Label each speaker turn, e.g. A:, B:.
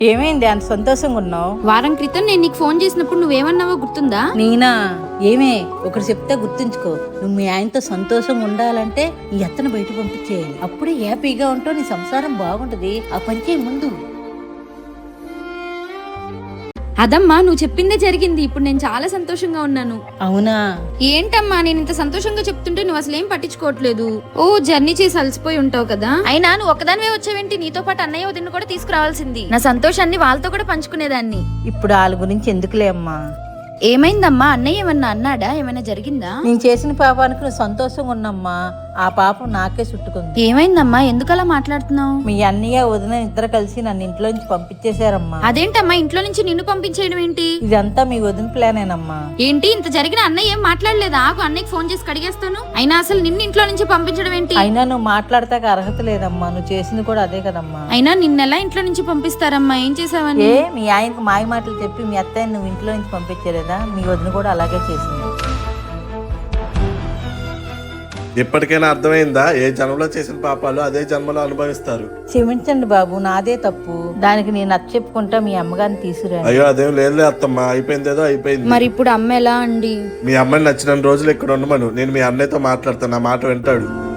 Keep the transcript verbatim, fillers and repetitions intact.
A: ఏమైంది అంత సంతోషంగా ఉన్నావు?
B: వారం క్రితం నేను నీకు ఫోన్ చేసినప్పుడు నువ్వేమన్నావో గుర్తుందా?
A: నేనా? ఏమే ఒకటి చెప్తే గుర్తుంచుకో, నువ్వు మీ ఆయనతో సంతోషంగా ఉండాలంటే ఈ అత్తను బయట పంపించేయాలి. అప్పుడే హ్యాపీగా ఉంటావు, నీ సంసారం బాగుంటది. ఆ పని చేయి ముందు.
B: అదమ్మా నువ్వు చెప్పిందే జరిగింది. ఇప్పుడు నేను చాలా సంతోషంగా ఉన్నాను.
A: అవునా?
B: ఏంటమ్మా నేను ఇంత సంతోషంగా చెప్తుంటే నువ్వు అసలు ఏం పట్టించుకోవట్లేదు. ఓ జర్నీ చేసి అలసిపోయి ఉంటావు కదా. అయినా నువ్వు ఒక్కదానివే వచ్చావేంటి? నీతో పాటు అన్నయ్య వదిన కూడా తీసుకురావాల్సింది. నా సంతోషాన్ని వాళ్ళతో కూడా పంచుకునేదాన్ని.
A: ఇప్పుడు వాళ్ళ గురించి ఎందుకులే అమ్మా.
B: ఏమైందమ్మా? అన్నయ్య ఏమన్నా అన్నాడా? ఏమైనా జరిగిందా?
A: నేను చేసిన పాపానికి నువ్వు సంతోషంగా ఉన్నమ్మా. ఆ పాపం నాకే చుట్టుకుంది.
B: ఏమైందమ్మా? ఎందుకలా మాట్లాడుతున్నావు?
A: మీ అన్నయ్య వదిన ఇద్దరు కలిసి నన్ను ఇంట్లో నుంచి పంపించేశారమ్మా.
B: అదేంటమ్మా ఇంట్లో నుంచి నిన్ను పంపించేయడం ఏంటి?
A: ఇదంతా మీ వదిన ప్లానేనమ్మా.
B: ఏంటి ఇంత జరిగిన అన్నయ్య ఏం మాట్లాడలేదా? ఆగు అన్నయ్యకి ఫోన్ చేసి కడిగేస్తాను. అయినా అసలు నిన్ను ఇంట్లో నుంచి పంపించడం ఏంటి?
A: అయినా నువ్వు మాట్లాడతాక అర్హత లేదమ్మా. నువ్వు చేసింది కూడా అదే కదమ్మా.
B: అయినా నిన్నెలా ఇంట్లో నుంచి పంపిస్తారమ్మా? ఏం చేసావని?
A: ఏ మీ ఆయనకు మాయ మాటలు చెప్పి మీ అత్తయ్య నువ్వు ఇంట్లో నుంచి పంపించలేదా? మీ వదిన కూడా అలాగే చేసింది.
C: ఇప్పటికైనా అర్థమైందా? ఏ జన్మలో చేసిన పాపాలు అదే జన్మలో అనుభవిస్తారు.
A: క్షమించండి బాబు, నాదే తప్పు. దానికి నేను నచ్చ చెప్పుకుంటా మీ అమ్మగారిని తీసుకురా.
C: అయ్యో అదేం లేదు అత్తమ్మ, అయిపోయిందేదో అయిపోయింది.
B: మరి ఇప్పుడు అమ్మ ఎలా అండి?
C: మీ అమ్మని నచ్చిన రోజులు ఇక్కడ ఉండమను, నేను మీ అన్నయ్యతో మాట్లాడతాను, నా మాట వింటాడు.